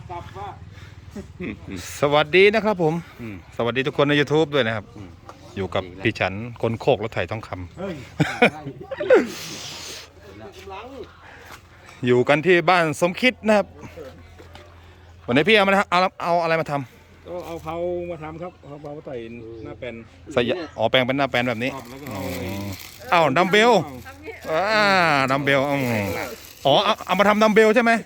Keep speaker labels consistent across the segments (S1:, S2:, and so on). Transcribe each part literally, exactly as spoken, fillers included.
S1: กลับว่า
S2: สวัสดีนะครับผมสวัสดีทุกคนใน YouTube ด้วยนะครับอยู่กับพี่ฉันคนโคกรถไถทองคำอยู่กันที่บ้านสมคิดนะครับวันนี้พี่เอามาเอาเอาอะไรมาทำ
S1: ก็เอาเผามาทำครับเอาเผาใส่หน้าแปลน
S2: ใส่อ๋อแปลงเป็นหน้าแปลนแบบนี้
S1: เอ้า
S2: ดัมเบลอ่าดัมเบลอ๋อเอามาทำดัมเบลใช่ไหม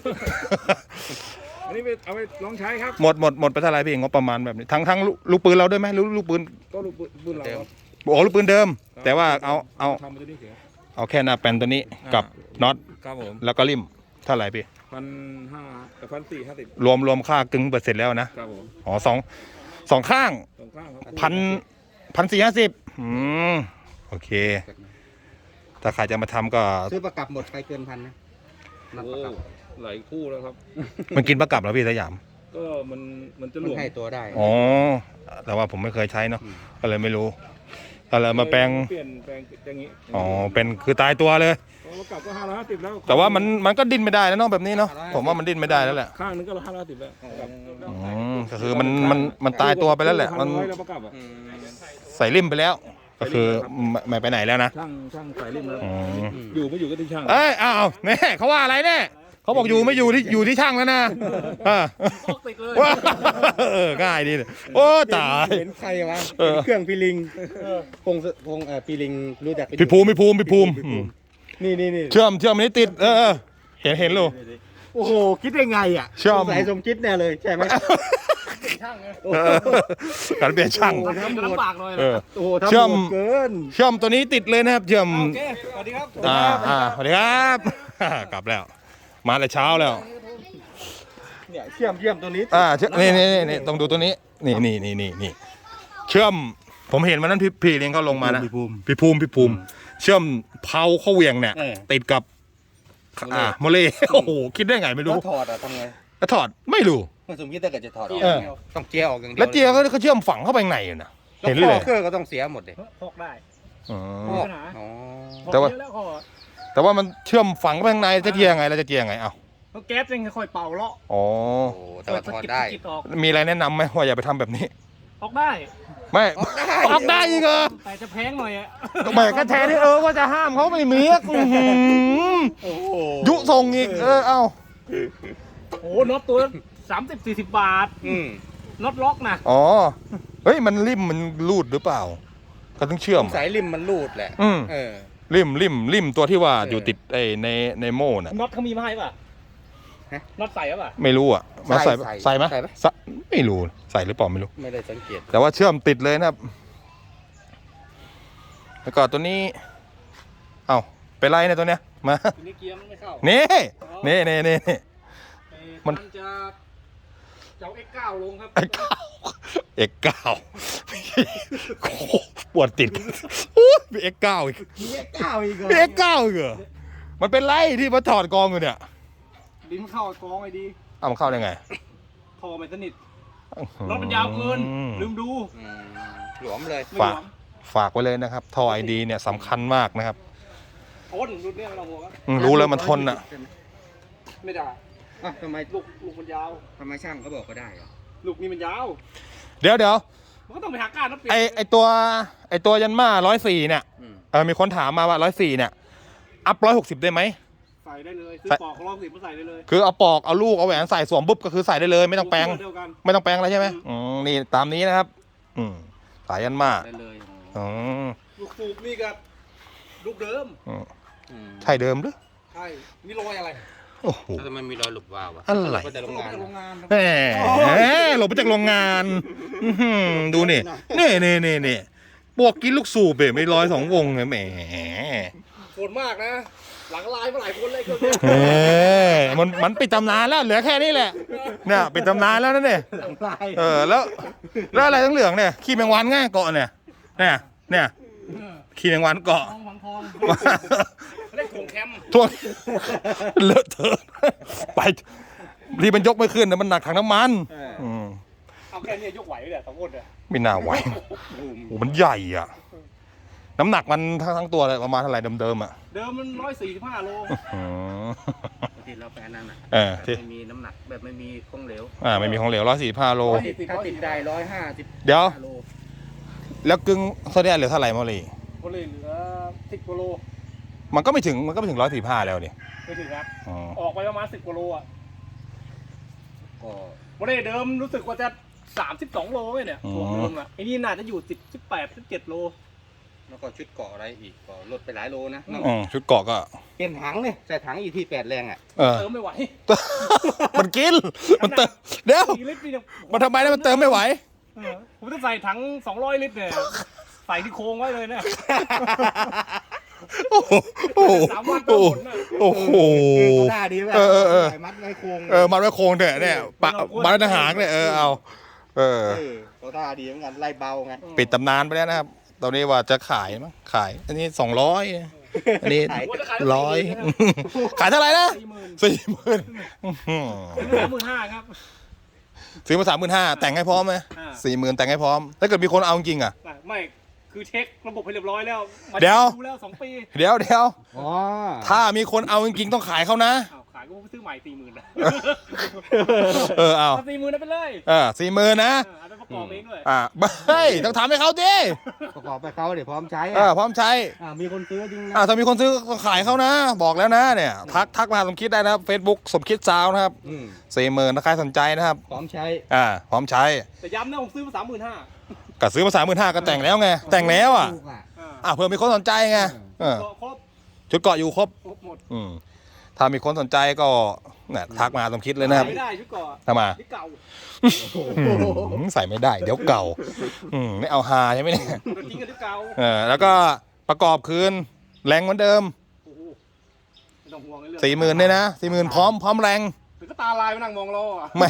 S1: อันนี้ไปเอาไปลองใช้ครับ
S2: หมดหมดหมดไปเท่าไรพี่งบประมาณแบบนี้ทั้งทั้งลูกปืนเราด้วยไหมลูกลูกปืน
S1: ก็ลูกปืนเรา
S2: โอ้ลูกปืนเดิมแต่ว่าเอาเอาเอาแค่หน้าแปลนตัวนี้กับน็อตแล้วก็ริมเท่าไหร่พี่
S1: พันห้าแต่พันสี่ห้าสิบ
S2: รวมรวมค่ากึ่งเปอร์เซ็นต์แล้วนะครับผมอ๋อสองสองข้าง
S1: สองข้างครับ
S2: พันพันสี่ห้าสิบอืมโอเคถ้าใครจะมาทำก็
S3: ซื้อประกับหมดไปเกินพันนะ
S1: โอ้หลายคู่แล้วครับ
S2: มันกินประกับแล้วพี่สยาม
S1: ก็มันมันจะหลวม
S3: ให้ตัวได้
S2: อ๋อแต่ว่าผมไม่เคยใช้เนาะก็เลยไม่รู้อะไรมาแปลง
S1: เปลี่ยนแปลงอย่างนี้
S2: อ๋อเป็นคือตายตัวเลย
S1: ประกับก็ห้าร้อยห้าสิบแล้ว
S2: แต่ว่ามันมันก็ดิ้นไม่ได้แล้วเนาะแบบนี้เนาะผมว่ามันดิ้นไม่ได้แล้วแหละ
S1: ข้างนึงก็ห้าร้อยห้าสิบแล้ว
S2: อืมก็คือมันมันมันตายตัวไปแล้วแหละมันใส่ริมไปแล้วก็คือไม่ไปไหนแล้วนะ
S1: ช่างช่างใส่ริมแล้วอยู่ไม่อยู่ก็ที่ช่าง
S2: เอ้ยอ้าวเนี่ยเขาว่าอะไรเนี่ยเขาบอกอยู่ไม่อยู่ที่อยู่ที่ช่างแล้วนะว้าเออง่ายดีเลยโอ้ตาย
S3: เห็นใครวะเครื่องปีลิงพงพงเอ่อปีลิงรู้จัก
S2: พี่ภูมิพี่ภูมิพี่ภูมิ
S3: นี่นี่นี่
S2: เชื่อมเชื่อมนี้ติดเออเห็นเห็นลูก
S3: โอ้โหคิดได้ไงอ่ะ
S2: เชื่อม
S3: สายสมคิดแน่เลยใช่ไหม
S1: ช่างไง
S2: การเปลี่ยนช่าง
S1: ลำบากเลย
S3: โอ้โหเชื่อมเกิน
S2: เชื่อมตัวนี้ติดเลยนะครับเชื่อม
S1: โอเคสวัสดีครับ
S2: อ่าอ่าสวัสดีครับกลับแล้วมาแต่เช้าแล้ว
S3: เนี่ยเชื่อมเชื่อมตัวนี้
S2: อ่านี่นี่นี่ต้องดูตัวนี้นี่นี่นี่นี่นี่เชื่อมผมเห็นวันนั้นพี่พี่เลี้ยงเขาลงมานะพี่ภูมิพี่ภูมิพี่ภูมิเชื่อมเผาเข้าเวียงเนี่ยติดกับอ่าโมเลโอ้โหคิดได้ไงไม่รู้
S3: ถอดอะทำไง
S2: ถอดไม่รู้
S3: ไม่สมคิดถ้าเกิดจะถอดออกต้องเจียออกอย่างเดียว
S2: แล้วเจียเขาเขาเชื่อมฝังเข้าไปในอยู่นะ
S3: เห็นเลยเครื่องก็ต้องเสียหมดเลย
S1: พกได้
S2: อ๋
S3: อ
S2: แต่ว่าแต่ว่ามันเชื่อมฝังเข้าไปข้างในจะเจียไงเราจะเจียไงเอ้า
S1: แก๊สยังค่อยเป่าเลาะ
S2: อ๋อ
S3: แต่ว่าถอดได้
S2: มีอะไรแนะนำไหมว่าอย่าไปทำแบบนี้
S1: ออกได้
S2: ไม่ออกได้อีกเหรอ
S1: แต่จะแพงหน่อยอ่ะ
S2: แหมก็แทนที่เออว่าจะห้ามเขาไม่มียุส่งอีกเออเอ้า
S1: โอ้น็อตตัวสามสิบสี่สิบบาทน็อตล็อกนะ
S2: อ๋อเฮ้ยมันริมมันรูดหรือเปล่าก็ต้องเชื่อม
S3: สายริมมันรูดแหละเออ
S2: ริมริมริมตัวที่ว่าอยู่ติดไอ้ในในโม่น่ะ
S1: น็อตเขามีมาให้ป่ะน็อตใส่ป่ะ
S2: ไม่รู้อ่ะมาใส่ใส่ไหมไม่รู้ใส่หรือเปล่าไม่รู้
S3: ไม่ได้สังเกต
S2: แต่ว่าเชื่อมติดเลยนะครับแล้วก็ตัวนี้เอ้าไปไล่เนี่ยตัวเนี้ยมา
S1: นี่เกียร์มันไม่เข้า
S2: นี่นี่นี่นี่
S1: มันจะจะเอา เอ็กซ์ เก้า ลงครับ
S2: เอ็กซ์ เก้า เอ็กซ์ เก้า ปวดติดมี เอ็กซ์ เก้า อีก
S3: มี เอ็กซ์ เก้า อีกเหรอ
S2: มี เอ็กซ์ เก้า อีกเหรอมันเป็นไรที่มาถอดกองอยู่เนี่ย
S1: ลิ้นเข้ากองไอ้ดี
S2: อ้าวมันเข้าได้ไง
S1: ท่อไม่สนิทรถมันยาวเกินลืมดู
S3: หลวมเลย
S2: ฝากฝากไว้เลยนะครับท่อไอดีเนี่ยสำคัญมากนะครับ
S1: ทนรุ่นนี้เราบอกว่า
S2: รู้แล้วมันทนอ่ะ
S1: ไม่ได้
S3: อ่ะทำไม
S1: ลูกลูกมันยาว
S3: ทำไมช่างเขาบอกก็ได้อะ
S1: ลูกนี่มันยาว
S2: เดี๋ยวเดี๋ยว
S1: มันก็ต้องไปหาก้าน
S2: ไอไอตัวไอตัวยันมาร้อยสี่เนี่ยเออมีคนถามมาว่าร้อยสี่เนี่ยอัพร้อยหกสิบได้ไหม
S1: ใส่ได้เลยซื้อปอกร้อยหกสิบมาใส่ได้เลย
S2: คือเอาปอกเอาลูกเอาแหวนใส่สวมปุ๊บก็คือใส่ได้เลยไม่ต้องแปลงไม่ต้องแปลงอะไรใช่ไหมอืมนี่ตามนี้นะครับอืมสายยันมา
S1: ได้เลย
S2: อ๋อ
S1: ลูกสูบนี่กับลูกเดิม
S2: ใช่เดิมหรือ
S1: ใช่มีรอยอะไร
S2: โอ้โห
S3: ทำไมมีรอยหลุดวาวอะ
S2: อะไร
S1: หลบมาจากโรงงาน
S2: แหมหลบมาจากโรงงานดูนี่นี่นี่นี่นี่บวกกินลูกสูบไม่ร้อยสองวงเลยแหม
S1: โหดมากนะหลังลายมาหลายคนเลย
S2: เออมันมันปิดตำนานแล้วเหลือแค่นี้แหละเนี่ยปิดตำนานแล้วนั่นเนี่ยเออแล้วแล้วอะไรทั้งเหลืองเนี่ยขี้แมงวันง่ายเกาะเนี่ยเนี่ยเนี่ยขี้แมงวันเกาะ
S1: เล่นถ่วงแคม
S2: ถ่วงเลอะเทอะไปรีบมันยกไม่ขึ้นนะมันหนักถังน้ำมัน
S1: เอาแค่นี้ยกไหวเลยสองคนเลย
S2: ไม่น่าไหวโอ้มันใหญ่อ่ะน้ำหนักมันทั้งทั้งตัวเลยประมาณเท่าไหร่เดิมๆอ่ะ
S1: เดิมมันร้อยสี่สิบห้าโล
S3: ที่เราแปลนั่นน่ะ
S2: เออ
S3: แบบ
S2: ที่
S3: ไม่มีน้ำหนักแบบไม่มีของเหลว
S2: อ่าไม่มีของเหลวร้อยสี่ห้าโล
S3: ถ้าติดได้ร้อยห้าสิบ
S2: เดี๋ยว
S3: โล
S2: แล้วกึ่งโซเดียมเหลือเท่าไหร่โมลี
S1: ก็เลยเหลือสิบกิโล
S2: มันก็ไม่ถึงมันก็ไม่ถึงร้อยสี่ห้าแล้วดิ
S1: ไม่ถึงครับ
S2: อ๋อ
S1: ออกไปประมาณสิบกิโลอ่ะ
S3: ก็
S1: วันนี้เดิมรู้สึกว่าจะสามสิบสองโลไงเนี่ยตัวเดิมอ่ะไอ้นี่น่าจะอยู่สิบสิบแปดสิบเจ็ดโล
S3: แล้วก็ชุดเกาะอะไรอีกก็ลดไปหลายโลนะ
S2: อืมชุดเกาะก็
S3: เปลี่ยนถังเลยใส่ถังอีที่แปดแรงอ่ะ
S2: เออ
S1: เติมไม่ไหว
S2: มันกินมันเติมเดี๋ยว
S1: สี่ลิตรนี่เนี่ย
S2: มันทำไมนะมันเติมไม่ไหว
S1: เออผมจะใส่ถังสองร้อยลิตรเนี่ยใส่ที่โค้งไว้เลยเนี่ย
S2: โอ้โหโอ้โห
S1: สามวันเติมหมดน่ะ
S2: โอ้โห
S3: หน้าดีไหม
S2: เออเออเออ
S3: ใส่มัดไว้โครง
S2: เออมันไว้โครงเถอะเนี่ยปะมันไว้ทหารเนี่ยเออเอาเออ
S3: เออก็ท่าดีเหมือนกันไล่เบาไง
S2: ปิดตำนานไปแล้วนะครับ ตอนนี้ว่าจะขายมั้งขาย อันนี้สองร้อยอันนี้
S3: ขาย
S1: ว่าจะขาย
S2: ร้อยขายเท่าไหร่นะ
S1: สี่หมื่น
S2: สี่หมื่น
S1: สามหมื่นห้าครับ
S2: ซื้อมาสามหมื่นห้าแต่งให้พร้อมไหม
S1: อ่า
S2: สี่หมื่นแต่งให้พร้อม ถ้าเกิดมีคนเอาจริงอ่ะ
S1: ไม่คือเช็คระบบให้เรียบร้อยแล้วมา
S2: เดี๋ยว
S1: แล้วสองปี
S2: เดี๋ยวเดี๋ยว
S3: อ๋อ
S2: ถ้ามีคนเอาจริงๆต้องขายเขานะ
S1: อ้าวขายก็ซื้อใหม่สี่หมื่นนะ
S2: เออเอา
S1: สี่หมื่นได้ไปเลย
S2: เออสี่หมื่นนะ
S1: เออเอาไปประกอบเองด้วย
S2: อ่าเฮ้ยต้องทำให้เขาดิ
S3: ประกอบไปเขาเดี๋ยวพร้อมใช้
S2: เออพร้อมใช้
S3: อ่ามีคนซื้อจริงนะ
S2: อ่าถ้ามีคนซื้อก็ขายเขานะ บอกแล้วนะเนี่ย ทักทักมาหาสมคิดได้นะครับ Facebook สมคิดซาวนะครับ
S3: อืม
S2: สี่หมื่นถ้าใครสนใจนะครับ
S3: พร้อมใช้
S2: อ่าพร้อมใช้
S1: แต่ย้ำนะผมซื้อมาสามหมื่นห้า
S2: ก็ซื้อมาสามหมื่นห้าก็แต่งแล้วไง แต่งแล้วอ่ะ
S3: ถูกอ่ะ
S2: อ่าเผื่อมีคนสนใจไงเออ
S1: ครบ
S2: ชุดเกาะอยู่ครบ
S1: ครบหมด
S2: อืมถ้ามีคนสนใจก็เนี่ยทักมาหาสมคิดเลยนะครับ
S1: ไม่ได้ชุดเก่อ
S2: ทำไมา
S1: ที่เก่า
S2: อืมใส่ไม่ได้เดี๋ยวเก่าอืมไม่เอาฮาใช่ไหมเนี่ย
S1: ตัวจริงกับที่เก่า
S2: เออแล้วก็ประกอบคืนแรงเหมือนเดิม
S1: โอ้โหไม่ต้องห่วงไอ้เรื่อง
S2: สี่หมื่นเนี่ยนะสี่หมื่นพร้อมพร้อมแรง
S1: ถึงก็ตาลายไปนั่งมองรออ่ะ
S2: แหม่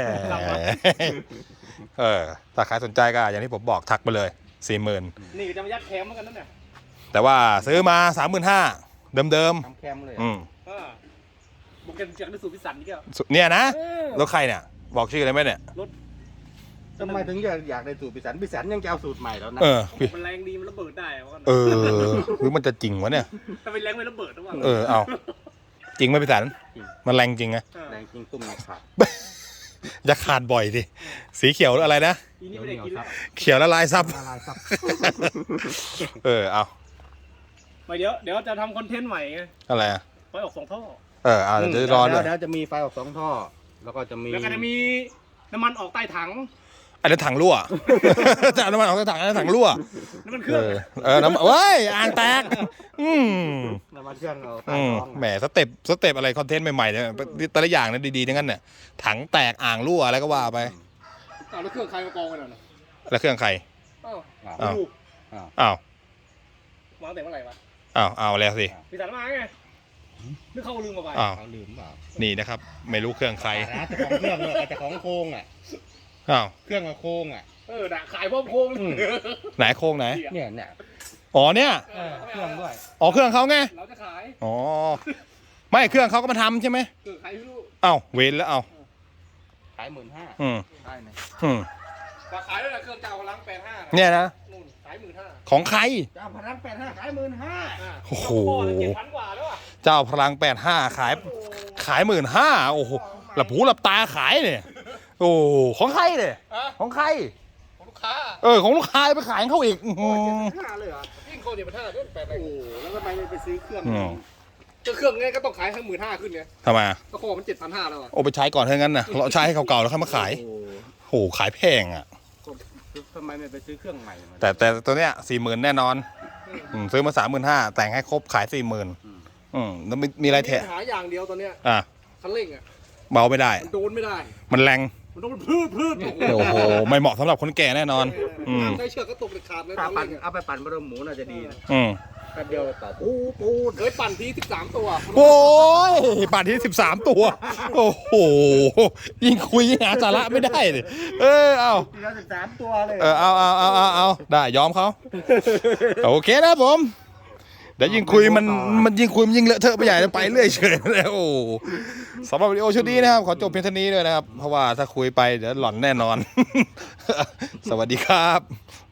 S2: เออถ้าใครสนใจก็อย่างที่ผมบอกทักไปเลยสี่หมื่น
S1: นี่ก็จะมายัดแคมเหมือนกันนั่นเนี่ย
S2: แต่ว่าซื้อมาสามหมื่นห้าเดิมเดิม
S3: ทำแคมเลย
S2: ๆอืม
S1: เออบุกกันจากที่สุดพิสันนี่ก็
S2: สุเนี่ยนะ
S1: เออ
S2: รถใครเนี่ย บอกชื่ออะไรไหมเนี่ย
S3: ทำไมถึงอยากอยากได้สูตรพิสันพิสันยังจะเอาสูตรใหม่แล้วนะ
S2: เออพี่
S1: มันแรงดีมันระเบิดได้ว่ากัน
S2: เออหรือมันจะจริงวะเนี่ย
S1: ถ้าเป็นแรงไม่ระเบิดนะว่า
S2: เออเอาจริงไหมพี่สันมันแรงจริงไง
S1: เออ
S3: แรงจริงตุ้มหนักขาด
S2: จะขาดบ่อยดิสีเขียวอะไรนะ
S1: อีนี่ไม่ได้กินแล้ว
S2: เขียวละลายซับ
S3: ละลายซับ
S2: เออเอา
S1: ไม่เดี๋ยวเดี๋ยวจะทำคอนเทนต์ใหม่ไง
S2: อะไรอะ
S1: ไฟออกสองท่อ
S2: เออเอาเดี๋ยวจะรอด้วย
S3: แล้วจะมีไฟออกสองท่อ แล้วก็จะมี
S1: แล้วก็จะมีน้ำมันออกใต้ถัง
S2: อันนี้ถังรั่ว จะเอาน้ำมันออกจากถังอันนี้ถังรั่ว
S1: น้ำมันเค
S2: เอ
S1: รื่อง
S2: อเออน้ำเว้ยอ่างแตกอืม
S3: น้ำมันเครื่องเอาใต้
S2: อืม
S3: ท้อง
S2: แหมสเต็ปสเต็ปอะไรคอนเทนต์ใหม่ๆเนี่ยแต่ละอย่างเนี่ยดีๆทั้งนั้นเนี่ยถังแตกอ่างรั่วอะไรก็ว่าไป
S1: อ้าวแล้วเครื่องใครมากองกันน่ะ
S2: แล้วเครื่องใคร
S1: อ้าว
S3: อ้าว
S2: อ้าว
S1: ดู
S2: อ้าว
S1: วางแต่เมื่อไหร่วะ
S2: อ้าวเอาแล้วสิ
S1: พิสันมาไงนึกเข้าลืมมาไป
S2: อ้าว
S3: เขาลืมเปล่า
S2: นี่นะครับ ไม่รู้เครื่องใคร
S3: ร้านเจ้าของเครื่องเลยเจ้าของโครงอ่ะ
S2: อ้าว
S3: เครื่องกับโครงอ่ะ
S1: เออด่าขายพร้อมโค้ง
S3: อืม
S2: ไหนโครงไหน
S3: เนี่ยเนี่ย
S2: อ๋อเนี่ย
S1: เออ
S3: เครื่องด้วย
S2: อ๋อเครื่องเขาไง
S1: เราจะขาย
S2: อ๋อไม่เครื่องเขาก็มาทำใช่ไหม
S1: คือขายไม่รู้
S2: อ้าวเวนแล้วเอา
S3: ขายหมื่นห้า
S2: อืม
S3: ได้ไหม
S2: อืม
S1: ราขายด้วยนะเครื่องเก่าล้างแปดห้า
S2: เนี่ยนะ
S1: นู่นขายหมื่นห้า
S2: ของใคร
S3: เจ้าพนักแปดห้าขายหมื่นห้า
S2: โอ้โห
S1: เจ็ดพันกว่าแล้วอ่ะ
S2: เจ้าพลังแปดห้าขายขายหมื่นห้าโอ้โหหลับหูหลับตาขายเนี่ยโอ้ของใครเนี่ย
S1: อะ
S2: ของใคร
S1: ของลูกค้า
S2: เออของลูกค้าไปขายให้เขาอีกอื้อหือ
S3: ห้าเลยเหรอ
S1: ยิ่งโคเจ็ดพันห้าเรื่องแปดไป
S3: โอ้โหแล้วทำไมไม่ไปซื้อเครื่อง
S2: อืม
S1: จะเครื่องไงก็ต้องขายทั้งหมื่นห้าขึ้นไง
S2: ทำไม
S1: ก็โคมันเจ็ดพันห้าแล้วอ่ะ
S2: โอ้ไปใช้ก่อนเท่านั้นนะเราใช้ให้เขาเก่าแล้วค่อยมาขาย
S3: โอ้โห
S2: โหขายแพงอ่ะ
S3: ทำไมไม่ไปซื้อเครื่องใหม่มา
S2: แต่แต่ตัวเนี้ยสี่หมื่นแน่นอนอืมซื้อมาสามหมื่นห้าแต่งให้ครบขายสี่หมื่นอืมแล้วมีมีอะไรแถะ
S1: ปัญหาอย่างเดียวตอนเนี้ย
S2: อ่ะ
S1: คันเร่งอ่ะ
S2: เบาไม่ได้
S1: มันโดนไม่ได้
S2: มันแรง
S1: มันโดนพืดพืด
S2: โอ้โหไม่เหมาะสำหรับคนแก่แน่นอน อืม
S1: ใช้เชือกก็ตกเด็ดขาดเลยต
S3: ถ้า
S1: อน
S3: ปั่น
S1: เร่งอะ
S3: เอาไปปั่นบะหมี่หมูน่าจะดีนะ
S2: อืม
S3: แป๊บเดียวต่อปูปูด
S1: เฮ้ยปั่นทีสิบสามตัว
S2: โอ้ยป่านที่สิบสามตัว โอ้โหยิ่งคุยยิ่งหาสาระไม่ได้เลยเออเอา
S3: ทีละสิบสามตัวเลย
S2: เออเอาเอาเอาเอาเอาได้ยอมเขาโอเคนะผมเดี๋ยวยิ่งคุยมันมันยิ่งคุยมันยิ่งเลอะเทอะไปใหญ่ไปเรื่อยเฉยแล้วโอ้สำหรับวิดีโอชุดนี้นะครับขอจบเพียงเท่านี้ด้วยนะครับ เพราะว่าถ้าคุยไปเดี๋ยวหล่อนแน่นอน สวัสดีครับ